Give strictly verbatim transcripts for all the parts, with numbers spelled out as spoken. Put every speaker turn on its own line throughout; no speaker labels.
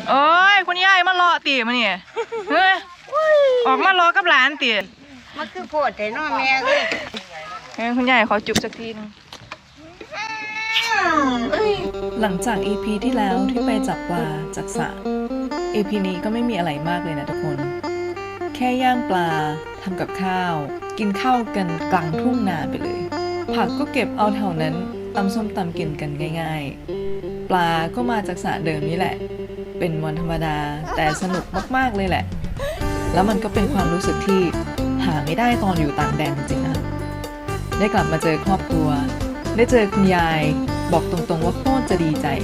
โอ้ยคุณยายมารอตีมาเนี่ยเฮ้ยออกมารอกับหลานตี
มันคือโพดแต่น้องแม่เลย
เฮ้ยคุณยายขอจุบสักทีนึง
หลังจาก อี พี ที่แล้วที่ไปจับปลาจากสระ อี พี นี้ก็ไม่มีอะไรมากเลยนะทุกคนแค่ย่างปลาทำกับข้าวกินข้าวกันกลางทุ่งนาไปเลยผักก็เก็บเอาแถวนั้นตำส้มตำกินกันง่ายๆปลาก็มาจากสระเดิมนี่แหละเป็นวันธรรมดาแต่สนุกมากๆเลยแหละแล้วมันก็เป็นความรู้สึกที่หาไม่ได้ตอนอยู่ต่างแดนจริงๆนะได้กลับมาเจอครอบครัวได้เจอคุณยายบอกตรงๆว่าโคตรจะดีใจ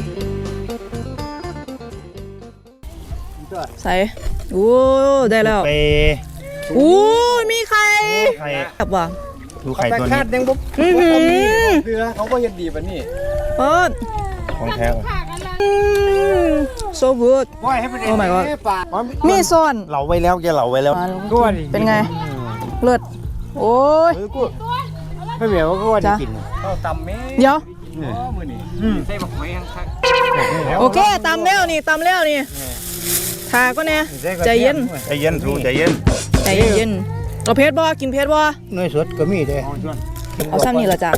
ใส่โอ้ได้แล้วโอ้มีไข่แบบว่า
ดูไข่ตัวนี้
ยังบุ๊บเรือเขาก็ยังดีป่ะนี่
เปิด
ของแท้
so good
โอ้
my god มีซ่อน
เหลาไว้แล้วแกเหลาไว้แล้ว
เป็นไงเลิศโอ้ย
ไม่เหมียวก็ว่าจะกินตำเม้
เดี๋ยว
ใส่บักไม้ข้าง
โอเคตำแล้วนี่ตำแล้วนี่ทาก็เนี่ยใจเย็น
ใจเย็นทูใจเย็น
ใจเย็นเอาเพชรบ่กินเพชรบ่
เนยสดก็มีเด้
เอาซ้ำนี่ละจ้ะ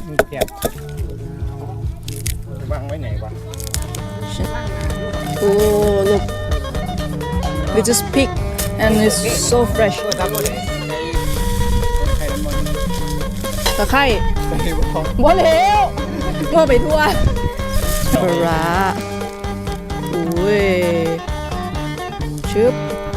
วางไว้ไหนวะ
โอ้ look we just pick and it's so fresh ตะไคร้บ่แล้วมั่วไปทั่วปลาโอ้ยชึบ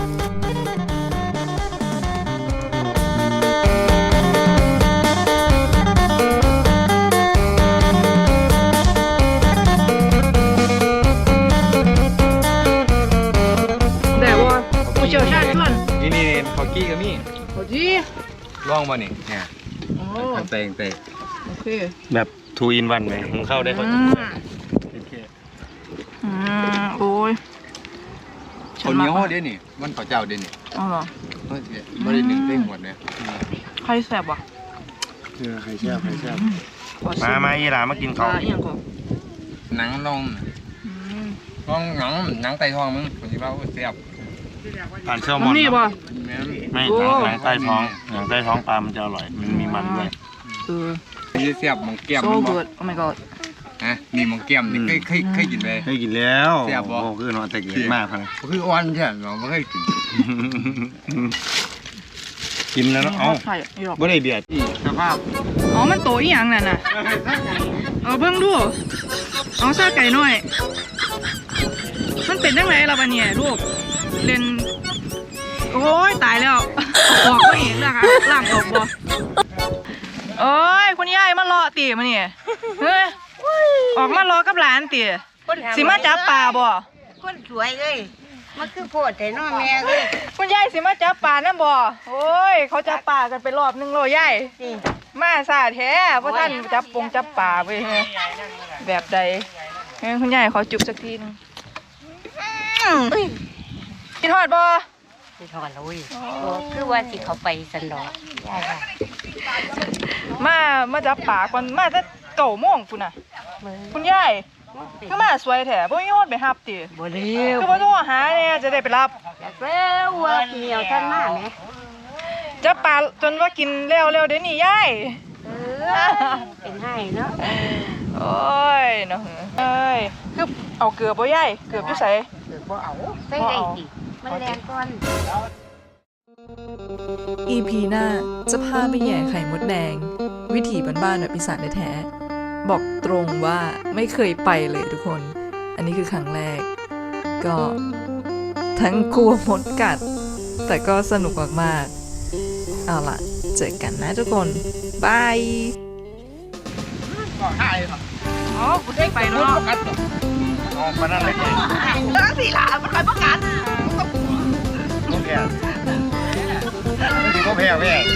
แต่ว่าผู้เชี่ยวชาญชวน
นี่นี่เขากี้กับมี่
เขาจี้
ลองมานี่เนี่ยเตงเตง
โอเค
แบบทูอินวันไหมหุงข้าวได้เขา
อืมโอ้ย
คนเหนียวเดี๋ยวนี่มันข้าวเจ้าเดี๋ยวนี่
อ๋อเหรอ
ไม่ได้หนึ่งเต้งหมดเนี่ย
ใครแซ่บวะ
เออใครแซ่บใครแซ่บ
มามาอีหลามากินข้าว
หนังนองนองหนังหนังไก่ทองมึงคนที่ว่าแซ่บ
ผ่านเซลมอน
นี่ป่ะ
ไม่หนังหนังใต้ท้องหนังใต้ท้องปลามันจะอร่อยมันมีมันด้วย
เออ
นี่แซ่บมองแก้ม
so good oh my god
ฮะนี่มองแก้มนี่เคยเคยเคยกินไหม
เคยกินแล้ว
แซ่บบ่
คือนอนแต่เกินมากเลย
คืออ่อนใช่ไหมเราไม่เคยกิน
กินแล้วเอ้าไม่ได้เบียด
สภาพ
อ๋อมันโตอีหยังนั่นน่ะเอาเบิ่งดูเอาซาไก่หน่อยมันเป็นยังไงล่ะบัดเนี่ยลูกเล่นโอ้ยตายแล้วออกไม่เห็นนะคะล่างออกบ่โอ้ยคุณยายมารอตีมาเนี่ยเฮ้ยออกมารอกับหลานตีสิมาจับปลาบ่
คนสวยเลยมันคือโพดแต่น้องแม่เลย
คุณยายสิมาจับปลานั่นบ่โอ้ยเขาจับปลากันไปรอบนึงโลยายมาซาแท้เพราะท่านจับปงจับปลาไปแบบใดคุณยายขอจุบสักทีนึงกินทอดบ่
กินทอดเลยคือว่าสิเขาไปสันดอกยายค่ะ
มามาจับปลาก่อนมาจะเก่าโมงคุณน่ะคุณยายก็มาสวยแท้บ่มีฮอดไปรับติ
บ่เร็ว
คือบ่ต้องหาเนี่ยจะได้ไปรับ
แล้วว่าเหนียวท่านมาแหม
จับปลาจนว่ากินแล้วแล้วเดี๋ยวนี้ยาย
เออเป็นให้เนาะ
โอ้ยเนาะเอ้ยคือเอาเกลือบ่ยายเกลืออยู่ไส
เกลือบ่เอาใส่ได้ติมันแรงก่อน
อี พี หน้าจะพาไปแย่ไข่มดแดงวิถีบ้านๆแบบอีสานแท้ๆบอกตรงว่าไม่เคยไปเลยทุกคนอันนี้คือครั้งแรกก็ทั้งกลัวมดกัดแต่ก็สนุกมากๆเอาล่ะเจอกันนะทุกคนบาย
อ๋อกูได้ไปเนาะ
อ๋อมานั่นเลย
ตั้งสี่หลามันคอยประกัน
โอเคโอเค